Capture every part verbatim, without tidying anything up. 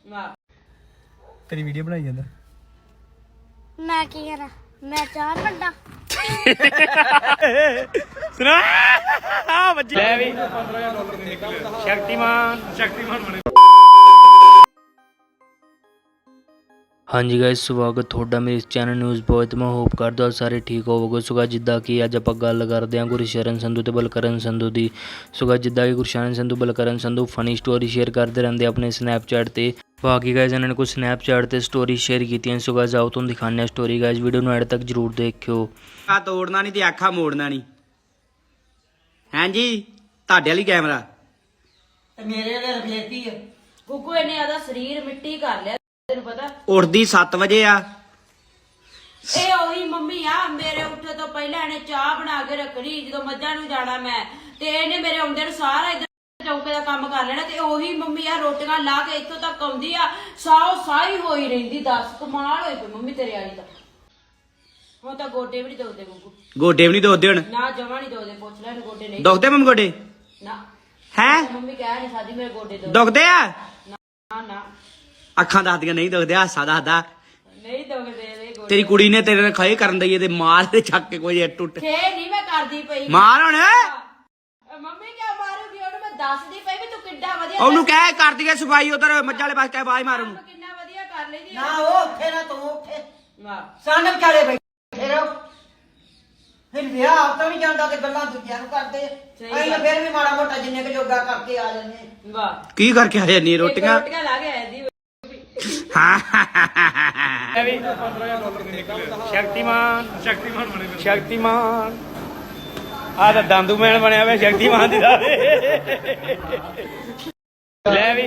तेरी वीडियो बनाई जांदा मैं की करा मैं चार बंदा सुना आ बच्ची ले भी शक्तिमान शक्तिमान बने। हाँ जी गाइस स्वागत ਤੁਹਾਡਾ ਮੇਰੇ ਇਸ ਚੈਨਲ ਨਿਊਜ਼ ਬੋਏ ਤੇ ਮੈਂ ਹੋਪ ਕਰਦਾ ਹਾਂ ਸਾਰੇ ਠੀਕ ਹੋਵੋਗੇ। ਸੋ ਗਾਇਸ ਜਿੱਦਾਂ ਕਿ ਅੱਜ ਆਪਾਂ ਗੱਲ ਕਰਦੇ ਹਾਂ ਗੁਰਸ਼ਰਨ ਸੰਧੂ ਤੇ ਬਲਕਰਨ ਸੰਧੂ ਦੀ। ਸੋ ਗਾਇਸ ਜਿੱਦਾਂ ਕਿ Gursharan Sandhu Balkaran Sandhu funny story share ਕਰਦੇ ਰਹਿੰਦੇ ਆਪਣੇ ਸਨੈਪਚੈਟ ਤੇ। ਬਾਕੀ ਗਾਇਸ ਇਹਨਾਂ ਨੇ ਕੁਝ ਸਨੈਪਚੈਟ ਤੇ ਸਟੋਰੀ ਸ਼ੇਅਰ ਕੀਤੀਆਂ। ਸੋ ਗਾਇਸ ਆਓ ਤੁਹਾਨੂੰ ਦਿਖਾਉਂਦੇ ਹਾਂ ਸਟੋਰੀ। ਗਾਇਸ ਵੀਡੀਓ ਨੂੰ ਐਡ ਤੱਕ ਜ਼ਰੂਰ ਦੇਖਿਓ। ਆ ਤੋੜਨਾ ਨਹੀਂ ਤੇ ਆਖਾ ਮੋੜਨਾ ਨਹੀਂ। ਹਾਂਜੀ ਤੁਹਾਡੇ ਵਾਲੀ ਕੈਮਰਾ ਤੇ ਮੇਰੇ ਵਾਲੇ ਰਫੇਤੀ ਆ ਗੁੱਗੂ ਇਹਨੇ ਆਦਾ ਸਰੀਰ ਮਿੱਟੀ ਕਰ ਲਿਆ ਤੈਨੂੰ ਪਤਾ। ਉੱਠਦੀ ਸੱਤ ਵਜੇ ਆ। ਇਹ ਉਹੀ ਮੰਮੀ ਆ ਮੇਰੇ ਉੱਠੇ ਤੋਂ ਪਹਿਲਾਂ ਇਹਨੇ ਚਾਹ ਬਣਾ ਕੇ ਰੱਖਣੀ ਜਦੋਂ ਮੱਝਾਂ ਨੂੰ ਜਾਣਾ ਮੈਂ ਤੇ ਇਹਨੇ ਮੇਰੇ ਆਉਂਦੇ ਨੂੰ ਸਾਰਾ ਇੱਧਰ ਚੌਂਕੇ ਦਾ ਕੰਮ ਕਰ ਲੈਣਾ ਤੇ ਉਹੀ ਮੰਮੀ ਆ ਰੋਟੀਆਂ ਲਾ ਕੇ ਇੱਥੋਂ ਤੱਕ ਆਉਂਦੀ ਆ ਸਾਓ ਸਾਈ ਹੋਈ ਰਹਿੰਦੀ। ਦੱਸ ਕਮਾਲ ਹੋਈ ਪਈ ਮੰਮੀ ਤੇਰੇ ਵਾਲੀ ਤਾਂ। ਹੁਣ ਤਾਂ ਗੋਡੇ ਵੀ ਨਹੀਂ ਦੋਦੇ ਗੁੱਗੂ। ਗੋਡੇ ਵੀ ਨਹੀਂ ਦੋਦੇ ਹੁਣ ਨਾ ਜਮਾ ਨਹੀਂ ਦੋਦੇ ਪੁੱਛ ਲੈਣ ਗੋਡੇ ਨਹੀਂ ਦੁਖਦੇ ਮੰਮੀ ਗੋਡੇ ਨਾ ਹੈ ਮੰਮੀ ਕਹਿ ਨਹੀਂ ਸਕਦੀ ਮੇਰੇ ਗੋਡੇ ਦੋ ਦੁਖਦੇ ਆ। ਨਾ ਨਾ ਅੱਖਾਂ ਦੱਸਦੀਆਂ ਨਹੀਂ ਦੁਖਦੇ ਹਾਸਾ ਦੱਸਦਾ ਨਹੀਂ ਦੋਦੇ ਦੇ ਗੋਡੇ। ਤੇਰੀ ਕੁੜੀ ਨੇ ਤੇਰੇ ਨਾਲ ਖਾਏ ਕਰਨ ਦਈਏ ਤੇ ਮਾਰ ਤੇ ਚੱਕ ਕੇ ਕੋਈ ਟੁੱਟ ਖੇ ਨਹੀਂ ਮੈਂ ਕਰਦੀ ਪਈ ਮਾਰ ਹੁਣ ਮੰਮੀ ਕਿਉਂ ਮਾਰੂਗੀ ਉਹਨੂੰ ਮੈਂ ਦੱਸਦੀ ਪਈ ਵੀ ਤੂੰ ਕਿੱਡਾ ਵਧੀਆ ਉਹਨੂੰ ਕਹਿ ਕਰ ਦਈਏ ਸਫਾਈ ਉਧਰ ਮੱਝਾਂ ਵਾਲੇ ਪਾਸੇ ਕਹਿ ਬਾਜ ਮਾਰ ਉਹਨੂੰ। ਕਿੰਨਾ ਵਧੀਆ ਕਰ ਲੈਂਦੀ ਨਾ ਉਹ ਉੱਠੇ ਨਾ ਤੂੰ ਉੱਠੇ ਵਾਹ ਸਾਨ ਵਿਚਾਲੇ ਬੈਠੇ ਰਹੋ। ਫਿਰ ਵਿਆਹ ਆਪ ਤਾਂ ਨਹੀਂ ਜਾਂਦਾ ਤੇ ਗੱਲਾਂ ਦੂਜਿਆਂ ਨੂੰ ਕਰਦੇ ਅਸੀਂ ਤਾਂ ਫਿਰ ਵੀ ਮਾੜਾ ਮੋਟਾ ਜਿੰਨੇ ਕੁ ਜੋਗਾ ਕਰਕੇ ਆ ਜਾਂਦੇ। ਵਾਹ ਕੀ ਕਰਕੇ ਆ ਜਾਂਦੀ ਰੋਟੀਆਂ ਰੋਟੀਆਂ ਲਾ ਕੇ ਆਇਆ ਦੀ शक्तिमान शक्तिमान बने शक्तिमान आ तो दांदू मैन बनया हुआ शक्तिमान दी ले भी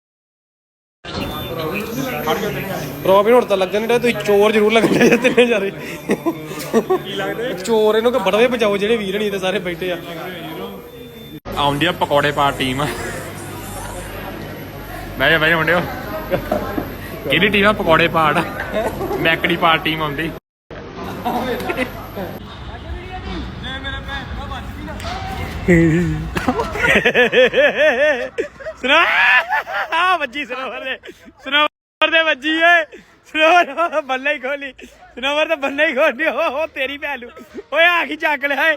ਰੋਬਿਨ ਹੁਣ ਤਾਂ ਲੱਗਣ ਨਹੀਂ ਤੁਸੀਂ ਚੋਰ ਜ਼ਰੂਰ ਲੱਗਣੇ ਜਾਂ ਤਿੰਨੇ ਜਾਰੇ ਚੋਰ ਇਹਨੂੰ ਕਿ ਬੜਵੇ ਬਚਾਓ ਜਿਹੜੇ ਵੀਰ ਨਹੀਂ ਤੇ ਸਾਰੇ ਬੈਠੇ ਆ। ਆਉਂਦੀ ਆ ਪਕੌੜੇ ਪਾ ਟੀਮ ਬਹਿ ਜਾ ਬਹਿ ਜਾ ਮੁੰਡਿਓ। ਕਿਹੜੀ ਟੀਮ ਆ ਪਕੌੜੇ ਪਾੜ ਮੈਕੜੀ ਪਾੜ ਟੀਮ ਆਉਂਦੀ। सुना आ बच्ची सनोवर दे सनोवर दे बच्ची है सनोवर बल्ले ही खोली सनोवर तो बल्ले ही खोली हो हो तेरी भैलू ओए आ की चक लिया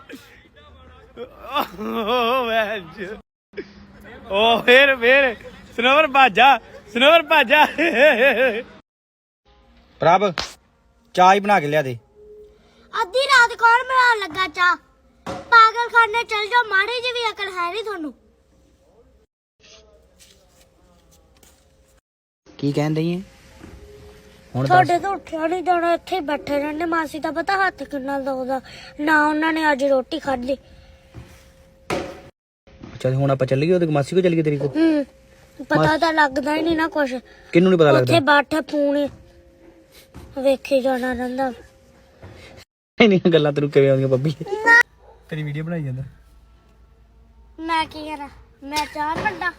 ओ फिर फिर सनोवर भाजा सनोवर भाजा ਪ੍ਰਭ ਚਾਹ ਹੀ ਬਣਾ ਕੇ ਲਿਆ ਦੇ। ਅੱਧੀ ਰਾਤ ਕੌਣ ਬਣਾਉਣ ਲੱਗਾ ਚਾਹ? ਪਾਗਲਖਾਨੇ ਚਲ ਜਾਓ, ਮਾੜੀ ਜਿਹੀ ਵੀ ਅਕਲ ਹੈ ਨਹੀਂ ਤੁਹਾਨੂੰ। ਕੀ ਕਹਿੰਦੇ ਏ ਹੁਣ ਤੁਹਾਡੇ ਤੋਂ ਉੱਠਿਆ ਨਹੀਂ ਜਾਣਾ, ਇੱਥੇ ਹੀ ਬੈਠੇ ਰਹਿੰਦੇ। ਮਾਸੀ ਦਾ ਪਤਾ ਹੱਥ ਕਿੰਨਾ ਦੁਖਦਾ ਨਾ, ਉਹਨਾਂ ਨੇ ਅੱਜ ਰੋਟੀ ਖਾਧੀ। ਚੱਲ ਹੁਣ ਆਪਾਂ ਚੱਲੀਏ ਉਹਦੇ ਮਾਸੀ ਕੋ ਚੱਲੀਏ ਤੇਰੀ ਕੋ। ਹੂੰ ਪਤਾ ਤਾਂ ਲੱਗਦਾ ਹੀ ਨਹੀਂ ਨਾ ਕੁਛ। ਕਿਹਨੂੰ ਨਹੀਂ ਪਤਾ ਲੱਗਦਾ? ਉੱਥੇ ਬੈਠੇ ਪੂਣੀ ਵੇਖੀ ਜਾਣਾ ਰਹਿੰਦਾ। ਇੰਨੀਆਂ ਗੱਲਾਂ ਤੈਨੂੰ ਕਿਵੇਂ ਆਉਂਦੀਆਂ ਬੱਬੀ? तेरी वीडियो बनाई जांदा ਮੈਂ ਕੀ ਕਰਾਂ ਮੈਂ ਚਾਰ ਬੰਦਾ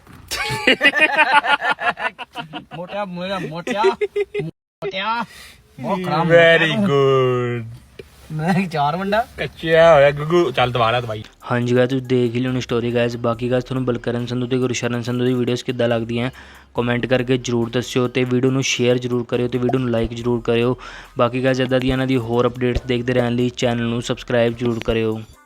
ਮੋਟਿਆ ਮੇਰਾ ਮੋਟਿਆ ਮੋਟਿਆ ਬਹੁਤ ਖਰਾਬ। ਵੈਰੀ ਗੁੱਡ ਮੈਂ ਚਾਰ ਵੰਡਾ ਕੱਚਿਆ ਹੋਇਆ ਗੁੱਗੂ। ਚੱਲ ਦਵਾ ਲੈ ਦਵਾਈ। ਹਾਂਜੀ ਗਾਇਸ ਤੁਸੀਂ ਦੇਖ ਹੀ ਲਿਓ ਸਟੋਰੀ ਗਾਇਸ। ਬਾਕੀ ਗਾਇਸ ਤੁਹਾਨੂੰ ਬਲਕਰਨ ਸੰਧੂ ਤੇ ਗੁਰਸ਼ਰਨ ਸੰਧੂ ਦੀ ਵੀਡੀਓਜ਼ ਕਿੱਦਾਂ ਲੱਗਦੀਆਂ ਕਮੈਂਟ ਕਰਕੇ ਜਰੂਰ ਦੱਸਿਓ ਤੇ ਵੀਡੀਓ ਨੂੰ ਸ਼ੇਅਰ ਜਰੂਰ ਕਰਿਓ ਤੇ ਵੀਡੀਓ ਨੂੰ ਲਾਈਕ ਜਰੂਰ ਕਰਿਓ। ਬਾਕੀ ਗਾਇਸ ਇੱਦਾਂ ਦੀਆਂ ਇਹਨਾਂ ਦੀ ਹੋਰ ਅਪਡੇਟਸ ਦੇਖਦੇ ਰਹਿਣ ਲਈ ਚੈਨਲ ਨੂੰ ਸਬਸਕ੍ਰਾਈਬ ਜਰੂਰ ਕਰਿਓ।